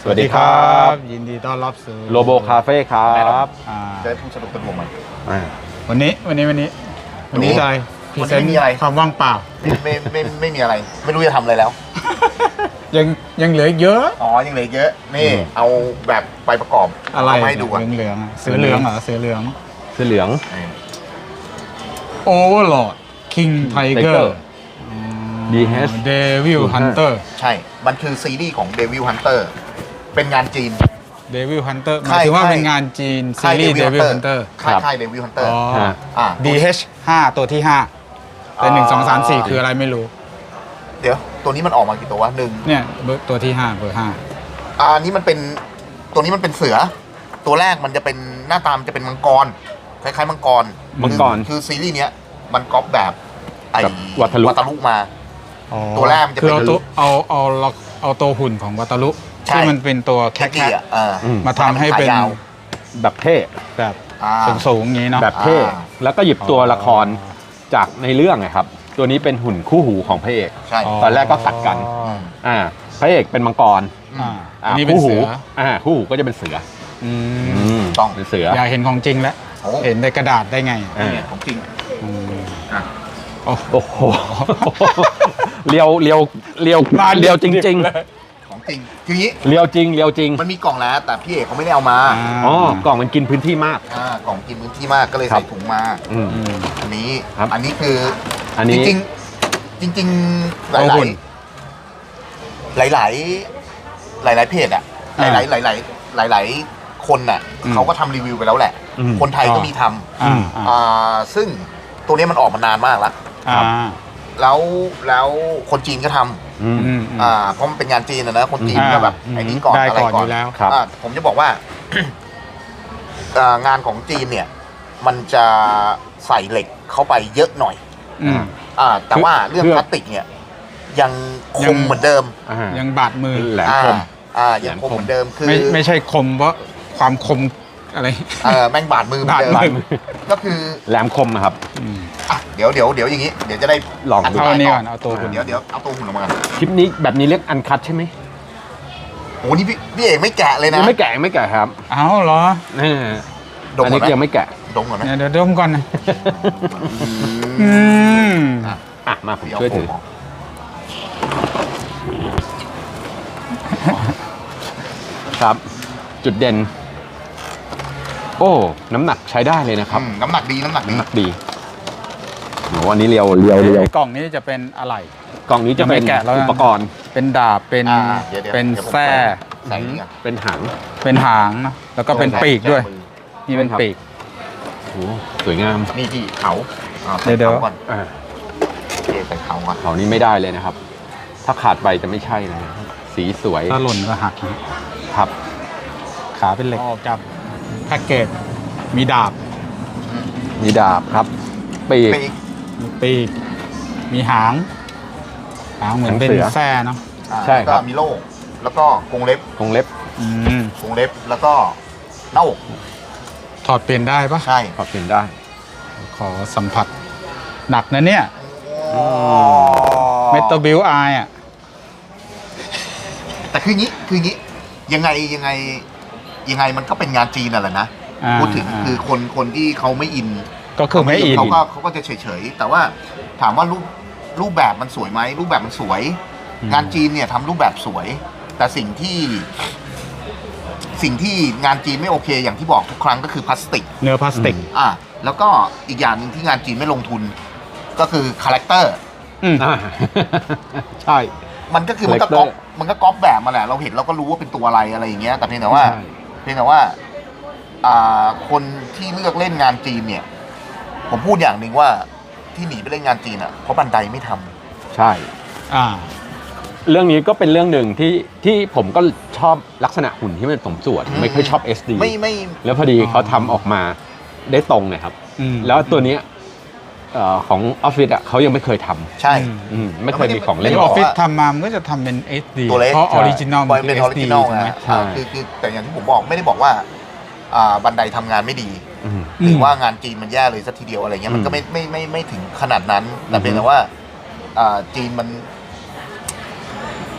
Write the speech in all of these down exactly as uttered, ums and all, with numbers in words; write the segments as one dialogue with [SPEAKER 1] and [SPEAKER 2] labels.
[SPEAKER 1] สวัสดีครับ
[SPEAKER 2] ยินดีต้อนรับสู่
[SPEAKER 1] โลโบคาเฟ่ครับ
[SPEAKER 3] จะได้พูดสนุกสนุกมัน
[SPEAKER 2] วันนี้วันนี้วันนี้วันนี้อะไรพรีเซนต์ความว่างเปล่า
[SPEAKER 3] ไม่ไม่ไม่ไม่มีอะไรไม่รู้จะทำอะไรแล้ว
[SPEAKER 2] ยังยังเหลือเยอะ
[SPEAKER 3] อ๋อยังเหลือเยอะนี่เอาแบบไปประกอบ
[SPEAKER 2] อะไร
[SPEAKER 3] ให้ดู
[SPEAKER 2] เหลืองเหลืองเสือเหลืองเหรอเสือเหลือง
[SPEAKER 1] เสือเหลือง
[SPEAKER 2] โอเวอร์ลอร์ดคิงไทเกอร์
[SPEAKER 1] ดีเฮส
[SPEAKER 2] เดวิลฮันเตอร์
[SPEAKER 3] ใช่มันคือซีรีส์ของเดวิลฮันเตอร์เป็นงานจีน
[SPEAKER 2] เดวิลฮันเตอร์หมายถึงว่าเป็นงานจีนซีรีส์เดวิลฮันเตอร์
[SPEAKER 3] ค่ายค่ายเดวิลฮันเตอร์
[SPEAKER 2] อ๋อ ดี เอช ห้าตัวที่ห้าแต่หนึ่งสองสามสี่คืออะไรไม่รู้
[SPEAKER 3] เดี๋ยวตัวนี้มันออกมากี่ตัววะหนึ่ง
[SPEAKER 2] เนี่ยตัวที่ห้าเบอร์ห้า
[SPEAKER 3] อ่านี้มันเป็นตัวนี้มันเป็นเสือตัวแรกมันจะเป็นหน้าตามจะเป็นมังกรคล้ายๆมังกร
[SPEAKER 1] มังกร
[SPEAKER 3] คือซีรีส์เนี้ยมันก๊อปแบบไอ้
[SPEAKER 1] วัตลุ
[SPEAKER 3] วัตลุมาตัวแรกมันจะเป็น
[SPEAKER 2] ตัวเอาเอาเอาตัวหุ่นของวัตลุที่มันเป็นตัวแคทมาทำให้เป็น
[SPEAKER 1] แบบเท่
[SPEAKER 2] แบบสูงๆอย่างนี้เนาะ
[SPEAKER 1] แบบเท่แล้วก็หยิบตัวละครจากในเรื่องนะครับตัวนี้เป็นหุ่นคู่หูของพระเอกตอนแรกก็ตัดกันอ่าพระเอกเป็นมังกร
[SPEAKER 2] อันนี้เป็นเสือ
[SPEAKER 1] อ่าคู่หูก็จะเป็นเสือ
[SPEAKER 3] ต้อง
[SPEAKER 1] เป็นเสือ
[SPEAKER 2] อยากเห็นของจริงแล้วเห็นในกระดาษได้ไง
[SPEAKER 3] ของจริง
[SPEAKER 1] โอ้โหเลียวเลียวเลียวเลียวจริงๆ
[SPEAKER 3] ของจริงคืองี้
[SPEAKER 1] เลียวจริงเลียวจริง
[SPEAKER 3] มันมีกล่องแล้วแต่พี่เอกเขาไม่ได้เอามา
[SPEAKER 1] อ๋อกล่องมันกินพื้นที่มาก
[SPEAKER 3] อ่ากล่องกินพื้นที่มากก็เลยใส่ถุงมาอันนี้อันนี้คือ
[SPEAKER 1] อันนี้
[SPEAKER 3] จริงจริงหลายหลายหลายหลายหลายเพจอะหลายหลายหลายหลายหลายหลายคนน่ะเขาก็ทำรีวิวไปแล้วแหละคนไทยก็มีทำอ่าซึ่งตัวนี้มันออกมานานมากแล้วแล้วแล้วคนจีนก็ทำอ่าเพราะมันเป็นงานจีนนะนะคนจีนก็แบบไอ้นี้ก่อนอะไรก่อน
[SPEAKER 2] แล้ว
[SPEAKER 3] ผมจะบอกว่า งานของจีนเนี่ยมันจะใส่เหล็กเข้าไปเยอะหน่อยอ่าแต่ว่าเรื่องพลาสติกเนี่ยยังคมเหมือนเดิม
[SPEAKER 2] ยังบาดมือ
[SPEAKER 1] แหลมคม
[SPEAKER 3] อ่ายังคมเหมือนเดิมคือ
[SPEAKER 2] ไม่ไม่ใช่คมเพราะความคมอะไร
[SPEAKER 3] เออแม่งบาดมือเหมือนเดิมก็คือ
[SPEAKER 1] แหลมคมนะครับ
[SPEAKER 3] อ่ะเดี๋ยวเดี๋ยวเดี๋ยวอย่างนี้เดี๋ยวจะได้
[SPEAKER 1] ลอง
[SPEAKER 2] ดูเอานี่ก่อนเอาตัวหุ่น
[SPEAKER 3] เดี๋ยวเดี๋ยวเอาตัวหุ่นออกมา
[SPEAKER 1] คลิปนี้แบบนี้เรียกอันคัทใช่ไหม
[SPEAKER 3] โอ้นี่พี่พี่เอกไม่แกะเลยนะ
[SPEAKER 1] ไม่แกะไม่แกะครับ
[SPEAKER 2] เอาเหรอ
[SPEAKER 1] อันนี้ยังไม่แกะ
[SPEAKER 3] ดมก่อนนะ
[SPEAKER 2] เดี๋ยวดมก่อนนะ
[SPEAKER 1] อืมอ่ะมาผมช่วยถือครับจุดเด่นโอ้น้ำหนักใช้ได้เลยนะครับ
[SPEAKER 3] น้ำหนักดีน้ำหนักดี
[SPEAKER 1] น้ำหนักดีโหวันนี้เรียวเรียวเรียว
[SPEAKER 2] กล่องนี้จะเป็นอะไร
[SPEAKER 1] กล่องนี้จะเป็นอุปกรณ์
[SPEAKER 2] เป็นดาบเป็นเป็นแส้
[SPEAKER 1] เป็นหาง
[SPEAKER 2] เป็นหางนะแล้วก็เป็นปีกด้วยนี่เป็นปีก
[SPEAKER 1] โอ้สวยงาม
[SPEAKER 3] นี่ที่เขา
[SPEAKER 2] เดี๋ยวเดี๋ยว
[SPEAKER 3] ก่อนใส่เขาก่อน
[SPEAKER 1] เขานี่ไม่ได้เลยนะครับถ้าขาดไปจะไม่ใช่เลยสีสวย
[SPEAKER 2] ถ้าหล่นก็หัก
[SPEAKER 1] ครับ
[SPEAKER 2] ขาเป็นเหล็กออกจากแพ็กเกจมีดาบ
[SPEAKER 1] มีดาบครับปีก
[SPEAKER 2] มีปีกมีหางหางเหมือนเป็นแส้เนาะ
[SPEAKER 1] ใช่ครับ
[SPEAKER 3] ก็มีโล่แล้วก็กรงเล็บ
[SPEAKER 1] กรงเล็บ
[SPEAKER 3] กรงเล็บแล้วก็หน้าอก
[SPEAKER 2] ถอดเปลี่ยนได้ปะ
[SPEAKER 3] ใช่
[SPEAKER 1] ถอดเปลี่ยนได้
[SPEAKER 2] ขอสัมผัสหนักนะเนี่ยเมทัลบิลไออ่ะ
[SPEAKER 3] แต่คืองี้คืองี้ยังไงยังไงยังไงมันก็เป็นงานจีนน่ะแหละนะพูดถึงคือคนคนที่เขาไม่อิน
[SPEAKER 2] ก็คือไม่อิน
[SPEAKER 3] เขาก็เขาก็จะเฉยๆแต่ว่าถามว่ารูปรูปแบบมันสวยไหมรูปแบบมันสวยงานจีนเนี่ยทำรูปแบบสวยแต่สิ่งที่สิ่งที่งานจีนไม่โอเคอย่างที่บอกทุกครั้งก็คือพลาสติก
[SPEAKER 2] เนื้อพลาสติก
[SPEAKER 3] อ่ะแล้วก็อีกอย่างหนึ่งที่งานจีนไม่ลงทุนก็คือคาแรคเตอร์
[SPEAKER 1] ใช่
[SPEAKER 3] มันก็คือมันก็ก๊อปมันก็ก๊อปแบบมาแหละเราเห็นเราก็รู้ว่าเป็นตัวอะไรอะไรอย่างเงี้ยแต่เพียงแต่ว่าเพียงแต่ว่าคนที่เลือกเล่นงานจีนเนี่ยผมพูดอย่างหนึ่งว่าที่หนีไปเล่นงานจีนอ่ะเพราะบันไดไม่ท
[SPEAKER 1] ำใช่อ่าเรื่องนี้ก็เป็นเรื่องหนึ่งที่ที่ผมก็ชอบลักษณะหุ่นที่มันสมส่วนไม่ค่อยชอบ เอส ดี
[SPEAKER 3] ไม่ไม่
[SPEAKER 1] แล้วพอดีเขาทำออกมาได้ตรงเลยครับแล้วตัวนี้ของออฟฟิศอ่ะเขายังไม่เคยท
[SPEAKER 3] ำใช่
[SPEAKER 1] ไม่เคยมีของเล่น
[SPEAKER 2] ออฟฟิศทำมามันก็จะทำเป็น เอส ดี เพราะออริจินอล
[SPEAKER 3] เป็นออริจินอลนะคือคือแต่อย่างที่ผมบอกไม่ได้บอกว่าบันไดทำงานไม่ดีหรือว่างานจีนมันแย่เลยสักทีเดียวอะไรเงี้ยมันก็ไม่ไม่ไม่ไม่ถึงขนาดนั้นแต่เป็นแต่ว่าจีนมัน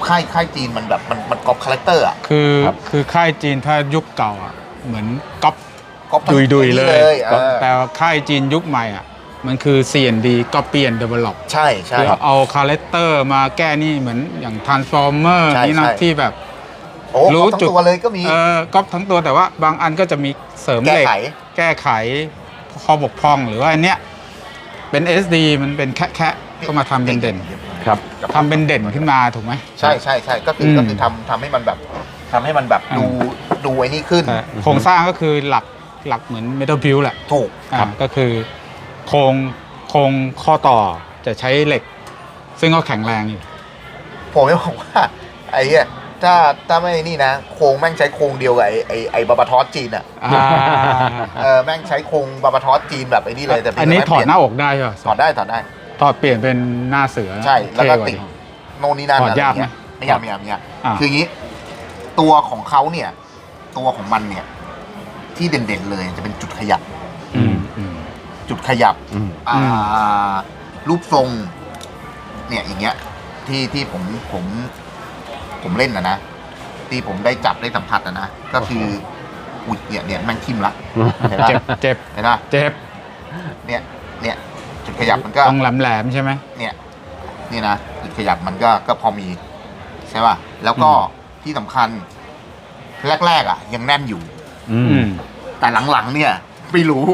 [SPEAKER 3] ค่ายค่ายจีนมันแบบมันมันก๊อปคาแรคเตอร์อ่ะ
[SPEAKER 2] คือ
[SPEAKER 1] ครับ
[SPEAKER 2] คือค่ายจีนถ้ายุคเก่าอ่ะเหมือนก๊อป
[SPEAKER 3] ก๊อป
[SPEAKER 2] ดุยๆเลย
[SPEAKER 3] เออ
[SPEAKER 2] แต่ว่าค่ายจีนยุคใหม่อ่ะมันคือ ซี เอ็น ดี Copy and Develop
[SPEAKER 3] ใช่ใช่
[SPEAKER 2] คือเอาคาแรคเตอร์มาแก้นี่เหมือนอย่าง Transformer
[SPEAKER 3] ใช่
[SPEAKER 2] นี่นะ
[SPEAKER 3] ใช่
[SPEAKER 2] ที่แบบ
[SPEAKER 3] โอ้
[SPEAKER 2] รู้
[SPEAKER 3] รู้ทั้ง
[SPEAKER 2] จุด
[SPEAKER 3] ตัวเลยก็มี
[SPEAKER 2] เออก๊อปทั้งตัวแต่ว่าบางอันก็จะมีเสริมเหล็ก
[SPEAKER 3] แก้ไข
[SPEAKER 2] แก้ไขข้อบกพร่องหรือว่าอันเนี้ยเป็น เอส ดี มันเป็นแค่แค่ก็มาทำเป็นเด่น
[SPEAKER 1] ครับ
[SPEAKER 2] ทำเป็นเด่นขึ้นมาถูกไหม
[SPEAKER 3] ใช่ใช่ใช่ก็คือ
[SPEAKER 2] ม
[SPEAKER 3] ก็คือทำทำให้มันแบบทำให้มันแบบดูดูไอ้นี่ขึ้น
[SPEAKER 2] แต่โครงสร้างก็คือหลักหลักเหมือน Metal Build แหละ
[SPEAKER 3] ถูก
[SPEAKER 2] อ่าก็คือโครงโครงข้อต่อจะใช้เหล็ก ซึ่งก็แข็งแรงอยู่
[SPEAKER 3] ผมจะบอกว่าไอ้เนี่ยถ้าถ้าไม่นี่นะ โครงแม่งใช้โครงเดียวกับไอ้ไอ้ไอ้บาบาทอสจีนอ่ะ
[SPEAKER 2] อ่า
[SPEAKER 3] เออแม่งใช้โครงบาบาทอสจีนแบบไอ้นี่เลยแต่เพียง
[SPEAKER 2] อันนี้
[SPEAKER 3] แต่
[SPEAKER 2] ถอด
[SPEAKER 3] เปลี่ย
[SPEAKER 2] หน้าอกได้ใช่ป่ะ
[SPEAKER 3] ถอดได้ถอดได้
[SPEAKER 2] ถอดเปลี่ยนเป็นหน้าเสือ
[SPEAKER 3] ใช่แล้วก็
[SPEAKER 2] เท่า
[SPEAKER 3] ติด
[SPEAKER 2] นี้
[SPEAKER 3] โน่นนี่นั่น
[SPEAKER 2] ถอด
[SPEAKER 3] อะไร
[SPEAKER 2] ยาก
[SPEAKER 3] เงี้ย
[SPEAKER 2] ไหม
[SPEAKER 3] ไม่ยากไม่ยากไม่ยาก
[SPEAKER 2] อ่า
[SPEAKER 3] คืออย่างนี้ ตัวของเขาเนี่ย ตัวของมันเนี่ย ที่เด่นๆเลยจะเป็นจุดขยับ
[SPEAKER 2] อืมอืม
[SPEAKER 3] จุดขยับ
[SPEAKER 1] อืม
[SPEAKER 3] อ่ารูปทรง เนี่ยอย่างเงี้ย ที่ที่ผมผมผมเล่นนะนะที่ผมได้จับได้สัมผัสนะนะก็คืออุ้ยเนี่ยเนี่ยแม่งทิ่มละเห็นปะ
[SPEAKER 2] เจ็บเจ็บ
[SPEAKER 3] เห็นปะ
[SPEAKER 2] เจ็บ
[SPEAKER 3] เนี่ยเนี่ยจุดขยับมันก็
[SPEAKER 2] ต้องแหลมแหลมๆใช่ไหม
[SPEAKER 3] เนี่ยนี่นะจุดขยับมันก็ก็พอมีใช่ป่ะแล้วก็
[SPEAKER 2] อืม
[SPEAKER 3] ที่สำคัญแรกๆอ่ะ ยังแน่นอยู่
[SPEAKER 1] อืม
[SPEAKER 2] อืม
[SPEAKER 3] แต่หลังๆเนี่ยไม่รู้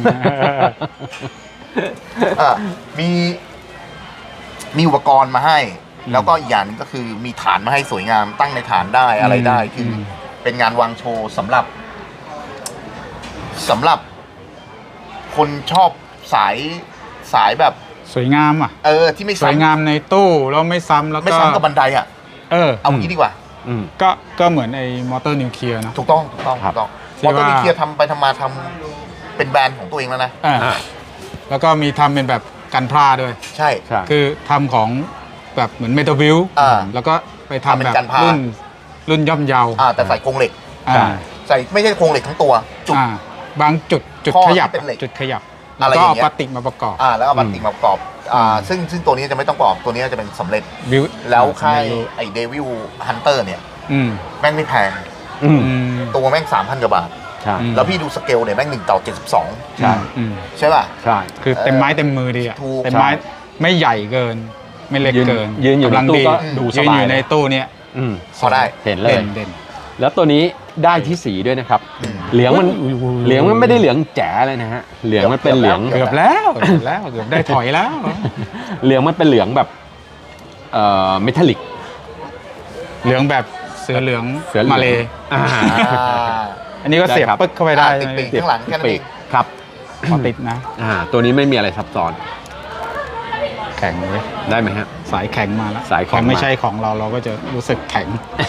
[SPEAKER 3] เออมีมีอุปกรณ์มาให้
[SPEAKER 2] อืม
[SPEAKER 3] แล้วก็อีกอย่างหนึงก็คือมีฐานมาให้สวยงามตั้งในฐานได้อะไรได้
[SPEAKER 2] อืม
[SPEAKER 3] คืออ
[SPEAKER 2] ม
[SPEAKER 3] เป็นงานวางโชว์สำหรับสำหรับ คนชอบสายสายแบบ
[SPEAKER 2] สวยงามอ่ะ
[SPEAKER 3] เออ ที่ไม่
[SPEAKER 2] สวย
[SPEAKER 3] ซ้ำ
[SPEAKER 2] งามในตู้แล้วไม่ซ้ำแล้ว
[SPEAKER 3] ไม่
[SPEAKER 2] ก็
[SPEAKER 3] ซ้ำกับบันไดอ่ะ
[SPEAKER 2] เออ
[SPEAKER 3] เอางี้ดีกว่า
[SPEAKER 1] อืม
[SPEAKER 2] ก็ก็เหมือนไอ้มอเตอร์นิวเคลียร์เนอะ
[SPEAKER 3] ถูกต้องถูกต้อง
[SPEAKER 1] ครั
[SPEAKER 3] ถู
[SPEAKER 1] บ
[SPEAKER 3] กต้อง
[SPEAKER 2] ที่
[SPEAKER 3] มอเตอร์
[SPEAKER 2] ว่า
[SPEAKER 3] นิวเคลียร์ทำไปทำมาทำเป็นแบรนด์ของตัวเองแล้วนะ
[SPEAKER 2] อ่าแล้วก็มีทำเป็นแบบกันพลาด้วย
[SPEAKER 3] ใช่
[SPEAKER 1] ใช่
[SPEAKER 2] คือทำของแบบเหมือนเมทัลบิล
[SPEAKER 3] อ่า
[SPEAKER 2] แล้วก็ไปทำ
[SPEAKER 3] ทำเป็น
[SPEAKER 2] แบบ
[SPEAKER 3] กันพลา
[SPEAKER 2] รุ่นรุ่นย่อมเยา
[SPEAKER 3] อ่าแต่ใส่โครงเหล็ก
[SPEAKER 2] อ่า
[SPEAKER 1] ใช่
[SPEAKER 3] ใส่ไม่ใช่โครงเหล็กทั้งตัว จุด
[SPEAKER 2] อ่าบางจุดจุด
[SPEAKER 3] ข้อ
[SPEAKER 2] ขยับ
[SPEAKER 3] ที่เป็นเหล็ก
[SPEAKER 2] จุดขยับ
[SPEAKER 3] อะ
[SPEAKER 2] แล้ว
[SPEAKER 3] ไร
[SPEAKER 2] ก็
[SPEAKER 3] อย่าง
[SPEAKER 2] เอา
[SPEAKER 3] เงี้ย
[SPEAKER 2] พลาสติกมาประกอบ
[SPEAKER 3] อ่าแล้วเอาพลาสติกมาประกอบอ่า
[SPEAKER 2] อืม
[SPEAKER 3] ซึ่งซึ่งตัวนี้จะไม่ต้องประกอบตัวนี้จะเป็นสำเร็จ
[SPEAKER 2] บิว
[SPEAKER 3] แล้วค่ายไอ้เดวิลฮันเตอร์เนี่ย
[SPEAKER 2] อืม
[SPEAKER 3] แม่งไม่แพง
[SPEAKER 1] อืม
[SPEAKER 2] อืม
[SPEAKER 3] ตัวแม่งสามพันกว่าบาท
[SPEAKER 1] ใช่
[SPEAKER 2] อืม
[SPEAKER 3] แล้วพี่ดูสเกลเนี่ยแม่งหนึ่งต่อเจ็ดสิบสอง
[SPEAKER 1] ใช่
[SPEAKER 2] อืม
[SPEAKER 3] ใช่ป่ะ
[SPEAKER 1] ใช่
[SPEAKER 2] คือเต็มไม้เต็มมือดีอ่ะ
[SPEAKER 3] ถูก
[SPEAKER 2] เต็มไม้ไม่ใหญ่เกิน ไม่เล็ก
[SPEAKER 1] ยืน
[SPEAKER 2] เกิน
[SPEAKER 1] ยืนอยู่ใน
[SPEAKER 2] กำลัง
[SPEAKER 1] ตู้
[SPEAKER 2] ดี
[SPEAKER 1] ก็ดูส
[SPEAKER 2] ยืน
[SPEAKER 1] บา
[SPEAKER 2] อย ยู่ใน
[SPEAKER 1] เลย
[SPEAKER 2] ตู้เนี่ย
[SPEAKER 1] อืม
[SPEAKER 3] พอได้
[SPEAKER 1] เห็นเลย
[SPEAKER 2] เด่นเด่น
[SPEAKER 1] แล้วตัวนี้ได้ที่สีด้วยนะครับ
[SPEAKER 3] อืม
[SPEAKER 1] เหลืองมัน
[SPEAKER 2] อุ้ยอุ้ยอุ้ย
[SPEAKER 1] เหลืองมันไม่ได้เหลืองแจ๋เลยนะฮะ เหลืองมันเป็นเหลือง
[SPEAKER 3] เกื
[SPEAKER 2] เกื
[SPEAKER 3] อ
[SPEAKER 2] อบ บแล้วเกือบแล้วเกือบได้ถอยแล้ว
[SPEAKER 1] เหลืองมันเป็นเหลืองแบบเอ่อเมทัลลิก
[SPEAKER 2] เหลืองแบบเสือเหลือง
[SPEAKER 1] เสือเหลือง
[SPEAKER 2] มาเลย
[SPEAKER 1] อ่า
[SPEAKER 3] อ่า
[SPEAKER 2] อันนี้ก็เสียบ
[SPEAKER 1] ได้ครับ
[SPEAKER 2] ปึ๊กเข้าไปได้
[SPEAKER 3] อ่าติดปีก ข้างหลังแค่นั้นเอง
[SPEAKER 1] ครับ
[SPEAKER 2] พอติดนะ
[SPEAKER 1] อ่า ตัวนี้ไม่มีอะไรซับซ้อน
[SPEAKER 2] แข็งเลย
[SPEAKER 1] ได้ไหมฮะ
[SPEAKER 2] สายแข็งมาแล้ว
[SPEAKER 1] สายแข็ง
[SPEAKER 2] พอไม่
[SPEAKER 1] มา
[SPEAKER 2] ใช่ของเราเราก็จะรู้สึกแข็ง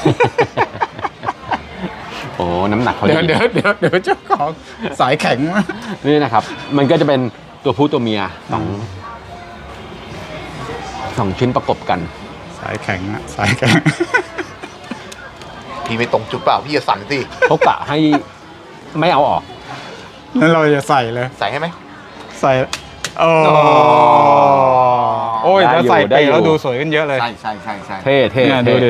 [SPEAKER 1] โอ้น้ำหนักเขา
[SPEAKER 2] เดี๋ยว
[SPEAKER 1] ดี
[SPEAKER 2] เดี๋ยวเดี๋ยวเดี๋ยวเจ้าของสายแข็งมา
[SPEAKER 1] นี่นะครับ มันก็จะเป็นตัวผู้ตัวเมียสองสองชิ้นประกบกัน
[SPEAKER 2] สายแข็งอะสายแข็ง
[SPEAKER 3] พี่ไม่ตรงจุดเปล่าพี่จะสั่นสิ
[SPEAKER 1] เขากะให้ไม่เอาออก
[SPEAKER 2] นั่นเราจะใส่เลย
[SPEAKER 3] ใส่ให้ไหม
[SPEAKER 2] ใส่โอ้
[SPEAKER 1] อ๋อ
[SPEAKER 2] โอ้ย
[SPEAKER 1] ได้
[SPEAKER 2] ถ้า
[SPEAKER 1] อยู่
[SPEAKER 2] ใส่
[SPEAKER 1] ได้
[SPEAKER 2] ไป
[SPEAKER 1] อยู่
[SPEAKER 2] แล้วดูสวยขึ้นเยอะเลย
[SPEAKER 3] ใช่ใช่ใช่ใช่
[SPEAKER 1] เท่เท่
[SPEAKER 2] เนี่ย
[SPEAKER 1] เท่
[SPEAKER 2] ดูดิ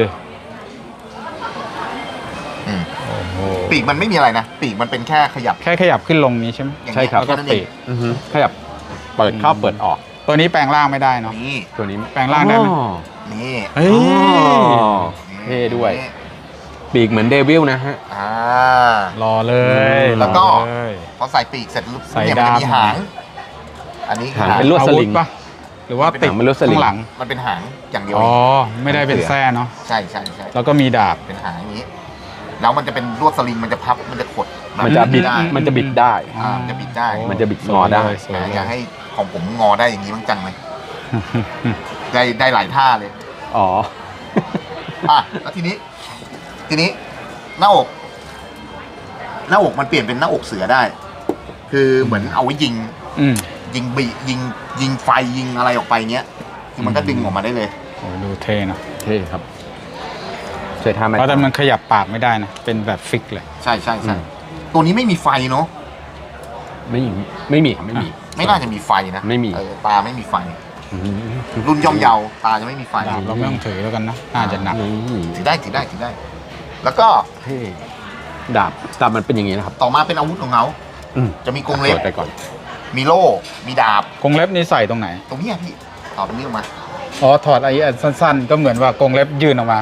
[SPEAKER 3] อืม
[SPEAKER 2] โอ้โห
[SPEAKER 3] ปีกมันไม่มีอะไรนะปีกมันเป็นแค่ขยับ
[SPEAKER 2] แค่ขยับขึ้นลงนี้ใช่ไหม
[SPEAKER 3] อย่าง
[SPEAKER 1] ใช่
[SPEAKER 3] เงี้ย
[SPEAKER 1] ครับ
[SPEAKER 3] แค่นั้นเอง
[SPEAKER 1] อือฮึขยับเปิดเข้าเปิดออก
[SPEAKER 2] ตัวนี้แปลงร่างไม่ได้เนาะ
[SPEAKER 3] นี่
[SPEAKER 1] ตัวนี้
[SPEAKER 2] แปลงร่างได้ไหม
[SPEAKER 1] อ๋อ
[SPEAKER 3] นี่
[SPEAKER 2] เฮ้ย
[SPEAKER 1] อ๋อ เท่ด้วย ปีกเหมือนเดวิลนะฮะ
[SPEAKER 3] อ่า
[SPEAKER 2] รอเลย
[SPEAKER 3] แล้วก็
[SPEAKER 2] รอเลย
[SPEAKER 3] พอใส่ปีกเสร็จปุ๊บ
[SPEAKER 2] ใส่
[SPEAKER 3] เนี่ยมันจะมี
[SPEAKER 2] ดาม
[SPEAKER 3] หาง อันนี้
[SPEAKER 1] หางเป็นลวดสลิง
[SPEAKER 2] อาวุธปะหรือว่าติด
[SPEAKER 1] หางเป็นลวดสลิง
[SPEAKER 2] ข้างหลัง
[SPEAKER 3] มันเป็นหางอย่างเดียว
[SPEAKER 2] อ๋
[SPEAKER 3] เอ
[SPEAKER 2] อง ไม่ได้เป็นแส้เนาะ
[SPEAKER 3] ใช่ใช่ใช่
[SPEAKER 2] แล้วก็มีดาบ
[SPEAKER 3] เป็นหางอย่างนี้ แล้วมันจะเป็นลวดสลิงมันจะพับมันจะขดแบบ
[SPEAKER 1] มันจะบิด
[SPEAKER 3] ได้
[SPEAKER 1] มันจะบิดได้
[SPEAKER 3] อ่ามันจะบิดได้
[SPEAKER 2] โอ้
[SPEAKER 1] มันจะบิดงอได้
[SPEAKER 2] สวย
[SPEAKER 3] อ่า
[SPEAKER 2] เลย
[SPEAKER 3] อยากให้ของผมงอได้อย่างนี้บ้างจังเลยได้ได้หลายท่าเลย
[SPEAKER 1] อ๋อ
[SPEAKER 3] อ่ะแล้วทีนี้ ทีนี้หน้าอก หน้าอกมันเปลี่ยนเป็นหน้าอกเสือได้ คือเหมือนเอาไว้ยิง
[SPEAKER 2] อืม
[SPEAKER 3] ยิงบียิงยิงไฟยิงอะไรออกไปเงี้ยคือมันก็ดึงออกมาได้เลย
[SPEAKER 2] โอ้ดูเท่เนอะ
[SPEAKER 1] เท่ครับช่วยทำไหม
[SPEAKER 2] เพราะแต่มันขยับปากไม่ได้นะ เป็นแบบฟิกเลย
[SPEAKER 3] ใช่ใช่ใช่ตัวนี้ไม่มีไฟเนาะ
[SPEAKER 1] ไม่มีไม่มีครับไม่มี
[SPEAKER 3] ไม่น่าจะมีไฟนะ
[SPEAKER 1] ไม่มี
[SPEAKER 3] เออตาไม่มีไฟ
[SPEAKER 1] อืม
[SPEAKER 3] รุ่นย่อมเยาตาจะไม่มีไฟ
[SPEAKER 2] ดาบเราไม่ต้องถือแล้วกันนะน่าจะหนัก
[SPEAKER 1] นี่
[SPEAKER 3] ถือได้ถือได้ถือได้ แล้วก็
[SPEAKER 1] เท่ดาบดาบมันเป็นอย่างนี้นะครับ
[SPEAKER 3] ต่อมาเป็นอาวุธของเขา
[SPEAKER 1] อืม
[SPEAKER 3] จะมีกรงเล็บ
[SPEAKER 1] เปิดไปก่อน
[SPEAKER 3] มีโล่มีดาบ
[SPEAKER 2] กรงเล็บนี่ใส่ตรงไหน
[SPEAKER 3] ตรงเนี้ยพี่ต่อตรงนี้ออกมา
[SPEAKER 2] อ๋อถอดไอ้อันสั้นๆ ก็เหมือนว่ากรงเล็บยื่นออกมา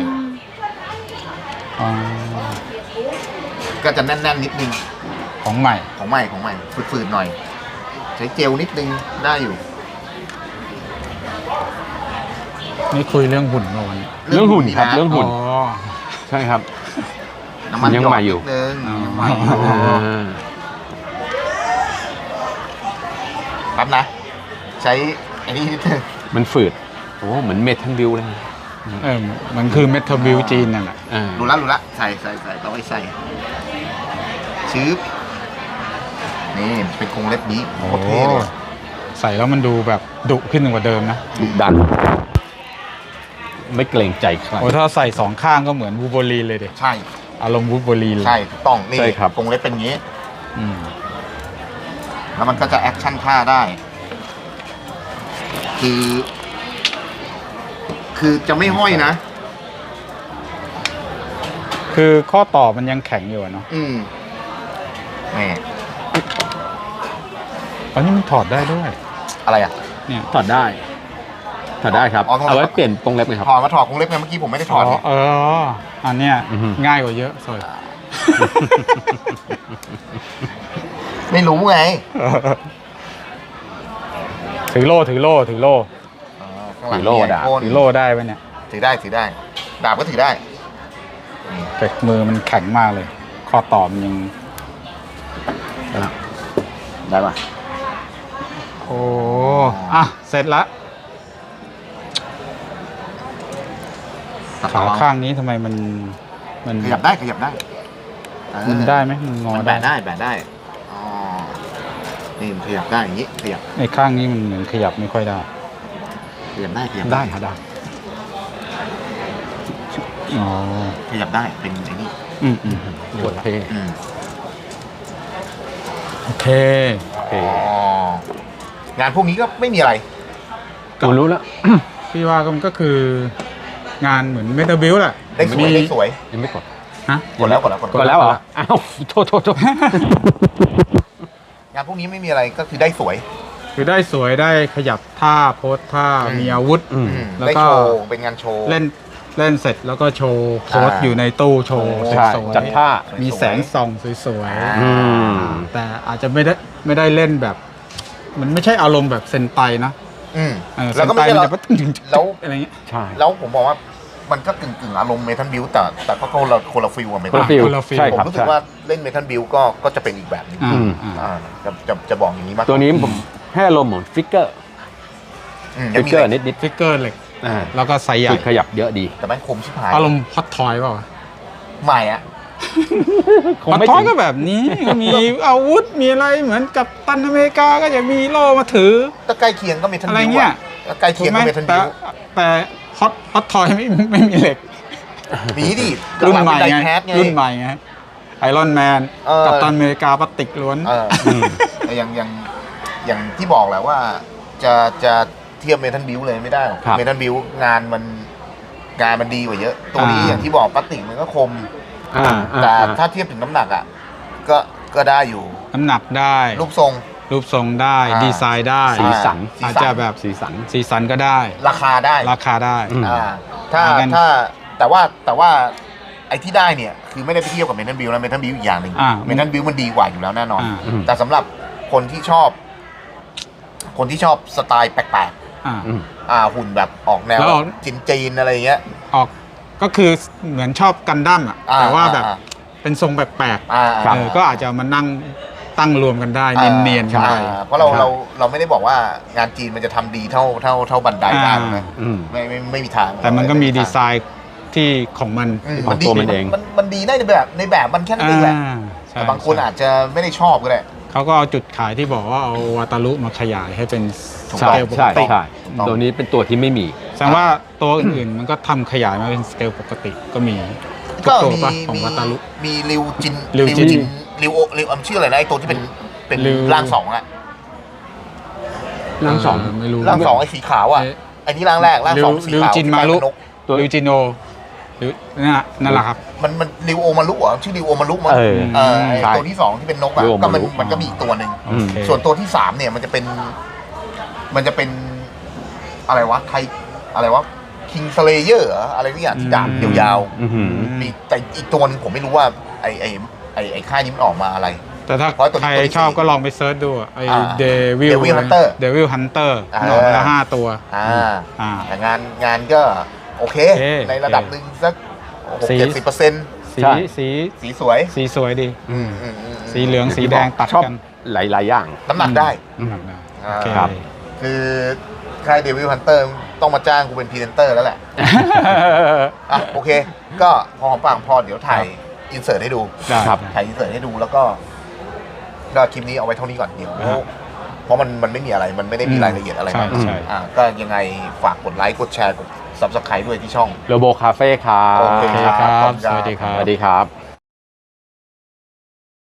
[SPEAKER 2] อ๋อ
[SPEAKER 3] ก็จะแน่นๆนิดนึง
[SPEAKER 2] ของใหม่
[SPEAKER 3] ของใหม่ของใหม่ฝืดๆหน่อย ใช้เจลนิดนึงได้อยู่
[SPEAKER 2] นี่คุยเรื่องหุ่นเมื่อวัน
[SPEAKER 1] เรื่องหุ่นครับ
[SPEAKER 3] ะ
[SPEAKER 1] เรื่องหุ่น
[SPEAKER 2] อ๋อ
[SPEAKER 1] ใช่ครับ
[SPEAKER 3] น้ำมัน
[SPEAKER 1] ยัง
[SPEAKER 3] หยอ
[SPEAKER 1] ใหม่
[SPEAKER 3] ด
[SPEAKER 1] อยู่
[SPEAKER 3] นิดนึง
[SPEAKER 2] อ๋อ
[SPEAKER 3] ยังใหม่อยู่
[SPEAKER 1] อ่า
[SPEAKER 3] แป๊บนะ ใช้อันนี้นิดนึง
[SPEAKER 1] มันฝืดโอ้เหมือนเมทัลบิวเลย
[SPEAKER 2] เออมันคือเมทัลบิวจีนนั่นแหละ
[SPEAKER 1] อ่า
[SPEAKER 3] รู้ละรู้ละใส่ใส่ใส่ต้องให้ใส่ชืบนี่เป็นกรงเล็บนี้โคตรเท่เลย
[SPEAKER 2] ใส่แล้วมันดูแบบดุขึ้นกว่าเดิมนะ
[SPEAKER 1] ดุดัน ไม่เกรงใจใคร
[SPEAKER 2] โอ้ถ้าใส่สองข้างก็เหมือนวูโบลีนเลยเด็
[SPEAKER 3] ใช่
[SPEAKER 2] อารมณ์วูโบลีนเลย
[SPEAKER 3] ใช่ถูกต้องนี่
[SPEAKER 1] ใช่ครับ
[SPEAKER 3] กรงเล็บเป็นอย่างนี้
[SPEAKER 2] อืม
[SPEAKER 3] แล้วมันก็จะแอคชั่นท่าได้ คือ คือจะไม่ห้อยนะ
[SPEAKER 2] คือข้อต่อมันยังแข็งอยู่อะเนาะ
[SPEAKER 3] อืมแหม
[SPEAKER 2] อันนี้มันถอดได้ด้วย
[SPEAKER 3] อะไรอ่ะ
[SPEAKER 2] เนี่ย
[SPEAKER 1] ถอดได้ ถอดได้ครับ
[SPEAKER 3] อ๋อต้อง
[SPEAKER 1] เอาไว้เปลี่ยนกรงเล็บไหมครับ
[SPEAKER 3] ถอดมาถอดกรงเล็บไงเมื่อกี้ผมไม่ได้ถอดไง
[SPEAKER 2] เอออันเนี้ย
[SPEAKER 1] อือฮึ
[SPEAKER 2] ง่ายกว่าเยอะสวย
[SPEAKER 3] ไม่รู้ไง
[SPEAKER 2] ถือโล่ถือโล่ถือโล่
[SPEAKER 3] อ๋อข้างหลัง
[SPEAKER 1] ถือโล่
[SPEAKER 3] มีไอ
[SPEAKER 1] ดาบ
[SPEAKER 3] พ่น
[SPEAKER 2] ถือโล่ได้ไหมเนี่ย
[SPEAKER 3] ถือได้ถือได้ ดาบก็ถือได้นี่
[SPEAKER 2] แต่มือมันแข็งมากเลย ข้อต่อมันยัง
[SPEAKER 1] ได้ปะ
[SPEAKER 2] โอ้อ่ะเสร็จละ
[SPEAKER 3] ตัด
[SPEAKER 2] ขา
[SPEAKER 3] ต่อ
[SPEAKER 2] ข้างนี้ทำไมมันมัน
[SPEAKER 3] ขยับได้ขยับได้เออ
[SPEAKER 2] มันได้ไหมมันงอ
[SPEAKER 3] มัน
[SPEAKER 2] ได้
[SPEAKER 3] แบะได้แบะได้อ๋อนี่มันขยับได้อย่างนี้ขยับ
[SPEAKER 2] ไอ้ข้างนี้มันเหมือนขยับไม่ค่อยได้
[SPEAKER 3] ขยับได้ขยับ
[SPEAKER 1] ได้ครับได้
[SPEAKER 2] อ๋อ
[SPEAKER 3] ขยับได้เป็นไอ้นี่
[SPEAKER 2] อืมอืม
[SPEAKER 1] โคตรเท่
[SPEAKER 3] อืม
[SPEAKER 2] โอเค
[SPEAKER 1] โอเค
[SPEAKER 3] อ๋องานพวกนี้ก็ไม่มีอะไร
[SPEAKER 1] ผมรู้แล้ว
[SPEAKER 2] พี่ว่าก็มันก็คืองานเหมือนเมตาบิลแหละ
[SPEAKER 3] ได้สวย
[SPEAKER 2] มี
[SPEAKER 3] ได้สวย
[SPEAKER 1] ยังไม่กด
[SPEAKER 2] ฮะ
[SPEAKER 3] กดแล้วกดแล้วกด
[SPEAKER 1] กดแล้วเหรอ อ้าว โทษโทษโทษ
[SPEAKER 3] งานพวกนี้ไม่มีอะไรก็คือได้สวย
[SPEAKER 2] คือได้สวยได้ขยับท่าโพสท่า
[SPEAKER 3] อืม
[SPEAKER 2] มีอาวุธ
[SPEAKER 1] อืม
[SPEAKER 3] อืม
[SPEAKER 2] แล้ว
[SPEAKER 3] ได้
[SPEAKER 2] ก็
[SPEAKER 3] โชว์เป็นงานโชว์
[SPEAKER 2] เล่นเล่นเสร็จแล้วก็โชว์โพส
[SPEAKER 3] อ่า
[SPEAKER 2] อยู่ในตู้โชว์
[SPEAKER 3] โอ้
[SPEAKER 1] ใช่
[SPEAKER 2] สวย
[SPEAKER 1] จัดท่า
[SPEAKER 2] ๆมีแสงส่องสวย
[SPEAKER 3] อ่า
[SPEAKER 1] อืม
[SPEAKER 2] ๆแต่อาจจะไม่ได้ไม่ได้เล่นแบบ มันไม่ใช่อารมณ์แบบเซนไตนะ
[SPEAKER 3] อืม
[SPEAKER 2] เออ
[SPEAKER 3] แล้วก็ไม่
[SPEAKER 2] เซ
[SPEAKER 3] ใช่
[SPEAKER 2] น
[SPEAKER 3] เรา
[SPEAKER 2] ไตมันจะตึ้งตึ้งตึ้ง
[SPEAKER 3] แล้ว
[SPEAKER 2] อะไรเงี้ย
[SPEAKER 1] ใช่
[SPEAKER 3] แล้วผมบอกว่ามันก็กึ่งกึ่งๆอารมณ์เมทัลบิวแต่แต่ก็คนละคนละฟิลกับเม
[SPEAKER 1] คน
[SPEAKER 3] ทัล
[SPEAKER 1] ละฟิล
[SPEAKER 2] คนละฟิล
[SPEAKER 1] ใช่
[SPEAKER 3] ผม
[SPEAKER 1] ครับ
[SPEAKER 3] รู้สึก
[SPEAKER 1] ใช่
[SPEAKER 3] ว่าเล่นเมทัลบิวก็ก็จะเป็นอีกแบบหนึง
[SPEAKER 2] อ่า
[SPEAKER 1] อืม
[SPEAKER 2] อ่า
[SPEAKER 3] อ่าจะจะจะบอกอย่างนี้มาก
[SPEAKER 1] ตัวนี้ผมให้อารมณ์เหมือนฟิกเกอร์
[SPEAKER 3] อืม
[SPEAKER 1] ฟิ
[SPEAKER 3] ยัง
[SPEAKER 1] ก
[SPEAKER 3] มี
[SPEAKER 1] เกอร์
[SPEAKER 3] อะไร
[SPEAKER 1] นิดนิด
[SPEAKER 2] ฟิกเกอร์เหล็ก
[SPEAKER 1] ๆอ่า
[SPEAKER 2] แล้วก็ไซส์ใหญ่
[SPEAKER 1] จุดขยับเยอะดี
[SPEAKER 3] แต่แม่งคมชิบหาย
[SPEAKER 2] อารมณ์ฮอตทอยเปล่าวะ
[SPEAKER 3] ใหม่อะ
[SPEAKER 1] คง
[SPEAKER 2] ฮอต
[SPEAKER 1] ไม่
[SPEAKER 2] ทอ
[SPEAKER 1] ถึ
[SPEAKER 2] ย
[SPEAKER 1] ง
[SPEAKER 2] ก็แบบนี้ มีอาวุธมีอะไรเหมือนกับตันอเมริกาก็จะมีโล่มาถือ
[SPEAKER 3] ถ้าใกล้เคียงก็เมทัล
[SPEAKER 2] อะไร
[SPEAKER 3] บิว
[SPEAKER 2] เงี้ย
[SPEAKER 3] อะใกล้เคียงก็เมทัล
[SPEAKER 2] แต่
[SPEAKER 3] บิว
[SPEAKER 2] แต่ฮอตฮอตทอยไม่ไม่มีเหล็ก
[SPEAKER 3] มีดิ
[SPEAKER 2] รุ่นใหม่
[SPEAKER 3] ได
[SPEAKER 2] ไง
[SPEAKER 3] แคสไง
[SPEAKER 2] รุ่นใหม่ไงไอรอนแมน
[SPEAKER 3] เออ
[SPEAKER 2] กับตันอเมริกาพลาสติกล้วน
[SPEAKER 3] เออแต่อย่างอย่างอย่างที่บอกแหละว่าจะจะเทียบเมทัลบิวเลยไม่ได้หรอก
[SPEAKER 1] ครับ
[SPEAKER 3] เมทัลบิวงานมันงานมันดีกว่าเยอะ ตัวนี้อย่างที่บอกพลาสติกมันก็คม
[SPEAKER 1] อ่าอ่า
[SPEAKER 3] แต่
[SPEAKER 1] อ่า
[SPEAKER 3] ถ้าเทียบถึงน้ำหนักอ่ะก็ก็ได้อยู่
[SPEAKER 2] น้ำหนักได้
[SPEAKER 3] รูปทรง
[SPEAKER 2] รูปทรงได้
[SPEAKER 3] อ่า
[SPEAKER 2] ดีไซน์ได้
[SPEAKER 1] สีสัน
[SPEAKER 3] สี
[SPEAKER 2] อาจ
[SPEAKER 3] สัน
[SPEAKER 2] จะแบบ
[SPEAKER 1] สีสัน
[SPEAKER 2] สีสันก็ได้
[SPEAKER 3] ราคาได้
[SPEAKER 2] ราคาได้
[SPEAKER 1] อืม
[SPEAKER 3] อ่าถ้า
[SPEAKER 2] เหมือนกัน
[SPEAKER 3] ถ้าแต่ว่าแต่ว่าไอ้ที่ได้เนี่ยคือไม่ได้ไปเทียบกับเมทัลบิวแล้วเมทัลบิวอีกอย่างหนึ่ง
[SPEAKER 2] อ่า
[SPEAKER 3] เมทัลบิวมันดีกว่าอยู่แล้วแน่นอน
[SPEAKER 2] อ่า
[SPEAKER 1] อืม
[SPEAKER 3] แต่สำหรับคนที่ชอบ คนที่ชอบสไตล์แปลก
[SPEAKER 2] อ่า
[SPEAKER 1] อืม
[SPEAKER 3] ๆอ่าหุ่นแบบออกแนว
[SPEAKER 2] แล้ว
[SPEAKER 3] จีนจีนๆอะไรอย่างเงี้ย
[SPEAKER 2] ออกก็คือเหมือนชอบกันดั้มอ่ะ
[SPEAKER 3] อ่
[SPEAKER 2] แต่ว่าแบบ
[SPEAKER 3] อ่
[SPEAKER 2] เป็นทรงแปลก
[SPEAKER 3] อ่า
[SPEAKER 2] ๆ
[SPEAKER 3] อ่า
[SPEAKER 2] เออก็อาจจะมานั่งตั้งรวมกันได้
[SPEAKER 3] อ่า
[SPEAKER 2] เนียนๆกัน
[SPEAKER 3] อ่า
[SPEAKER 2] ไป
[SPEAKER 3] เพราะเรา
[SPEAKER 1] ครับ
[SPEAKER 3] เราเราไม่ได้บอกว่างานจีนมันจะทำดีเท่าเท่าเท่าบันไดได้
[SPEAKER 2] อ่า
[SPEAKER 3] นะ
[SPEAKER 1] อืม
[SPEAKER 3] ไม่ไม่ไม่มีทาง
[SPEAKER 2] แต่มันก็มีดีไซน์ที่ของมัน
[SPEAKER 3] อืม
[SPEAKER 1] ของตัวมันเอง
[SPEAKER 3] มันมันดีได้ในแบบในแบบมันแค่นั้นเองแหละ
[SPEAKER 2] อ่าใช่
[SPEAKER 3] แต่บางคนอาจจะไม่ได้ชอบก็ได้
[SPEAKER 2] เขาก็เอาจุดขายที่บอกว่าเอาวาตารุมาขยายให้เป็น
[SPEAKER 3] ถูก
[SPEAKER 2] ส
[SPEAKER 1] ใช่
[SPEAKER 2] เกลปก
[SPEAKER 1] ใช่
[SPEAKER 2] ติ
[SPEAKER 1] ใช่
[SPEAKER 3] ถูกต้อง
[SPEAKER 1] ตัวนี้เป็นตัวที่ไม่มี
[SPEAKER 2] แสดงว่าตัวอื่นๆ มันก็ทำขยายมาเป็นสเกลปกติก็มีทุ
[SPEAKER 3] ก็
[SPEAKER 2] ตัว
[SPEAKER 3] มี
[SPEAKER 2] ปะของ
[SPEAKER 3] มี
[SPEAKER 2] วาตารุ
[SPEAKER 3] มีริวจิน
[SPEAKER 2] ริวจิน
[SPEAKER 3] ริวโอริวอมชื่ออะไรนะไอตัวที่เป็นเป็น
[SPEAKER 2] ริว
[SPEAKER 3] ร่างสองอะ
[SPEAKER 1] ร่างสอง
[SPEAKER 2] เไม่รู้
[SPEAKER 3] ร่างสองไอ้สีขาวอ่ะ
[SPEAKER 2] เอ๊ะ
[SPEAKER 3] ไอ้นี่ร่างแรกร่างสองสี
[SPEAKER 2] ริว
[SPEAKER 3] ขาว
[SPEAKER 2] จิน
[SPEAKER 3] ที่
[SPEAKER 2] มารุ
[SPEAKER 3] เป็นนก
[SPEAKER 1] ตัว
[SPEAKER 2] ริวจิโนหรือนั่นน่ะนั่นแหละครับ
[SPEAKER 3] มันมันริวโอมารุเหรอชื่อริวโอมารุมั้ง
[SPEAKER 1] เออ
[SPEAKER 3] เออไอ้
[SPEAKER 1] ใช่
[SPEAKER 3] ตัวที่สองที่เป็นนกอ่ะ
[SPEAKER 1] ริวโอ
[SPEAKER 3] ก็
[SPEAKER 1] มา
[SPEAKER 3] มัน
[SPEAKER 1] รุ
[SPEAKER 3] มันก็มีอีกตัวหนึ่ง
[SPEAKER 2] โอเค
[SPEAKER 3] ส่วนตัวที่สามเนี่ยมันจะเป็น มันจะเป็นอะไรวะไทยอะไรวะคิงสเลเยอร์อะไรนี่อย่างที่ดาบยาว
[SPEAKER 1] อื้อหือ
[SPEAKER 3] ๆมีแต่อีกตัวหนึงผมไม่รู้ว่าไอ้ไอ้ไอ้ไอ้ค่ายนี้มันออกมาอะไร
[SPEAKER 2] แต่ถ้า
[SPEAKER 3] เพราะตัวนี้
[SPEAKER 2] ใคร
[SPEAKER 3] ตัวที่
[SPEAKER 2] ชอบ
[SPEAKER 3] สี่
[SPEAKER 2] ก็ลองไปเซิร์ชดูอะไอ้
[SPEAKER 3] อ่า
[SPEAKER 2] เดวิล
[SPEAKER 3] Devil Hunter
[SPEAKER 2] เดวิลฮันเตอร์
[SPEAKER 3] อ่า
[SPEAKER 2] หนอนละห้าตัว
[SPEAKER 3] อ่า
[SPEAKER 2] อ่า
[SPEAKER 3] แต่งานงานก็โอเค
[SPEAKER 2] โอเค
[SPEAKER 3] ในระดับหนึ่งสักหก
[SPEAKER 2] สี
[SPEAKER 3] เจ็ดสิบเปอร์เซ็นต์
[SPEAKER 2] สี
[SPEAKER 1] ใช่
[SPEAKER 2] สี
[SPEAKER 3] สีสวย
[SPEAKER 2] สีสวยดี
[SPEAKER 3] อืมอืมอืม
[SPEAKER 2] สีเหลืองสีแดงตัด
[SPEAKER 1] ชอบ
[SPEAKER 2] กัน
[SPEAKER 1] หลาย ๆ อย่าง
[SPEAKER 3] น้ำหนักได้
[SPEAKER 2] น้ำหนักได้
[SPEAKER 3] อ่า
[SPEAKER 2] โอเค
[SPEAKER 1] ครับ
[SPEAKER 3] คือค่ายเดวิลฮันเตอร์ต้องมาจ้างกูเป็นพรีเซนเตอร์แล้วแหละ อ่ะโอเค ก็พอหอมปากหอมคอเดี๋ยวถ่ายอินเสิร์ตให้ดู
[SPEAKER 2] ได้
[SPEAKER 1] ครับ
[SPEAKER 3] ถ่ายอินเสิร์ตให้ดูแล้วก็ก็คลิปนี้เอาไว้เท่านี้ก่อนเดี๋ยว
[SPEAKER 2] อ่า
[SPEAKER 3] เพราะมันมันไม่มีอะไรมันไม่ได้มีรายละเอียดอะไร
[SPEAKER 2] ใช่
[SPEAKER 3] มาก
[SPEAKER 2] ใช่
[SPEAKER 3] อ่าก็ยังไงฝากกดไลค์กดแชร์กด ซับสไครต์ด้วยที่ช่อง
[SPEAKER 1] โลโบคาเฟ่ครั
[SPEAKER 3] โอเค
[SPEAKER 2] โอเค
[SPEAKER 1] บ
[SPEAKER 2] ครับ
[SPEAKER 3] ขอบคุณครับ
[SPEAKER 2] สวัสดีครั
[SPEAKER 1] ส
[SPEAKER 2] บ
[SPEAKER 1] วัสดีครับ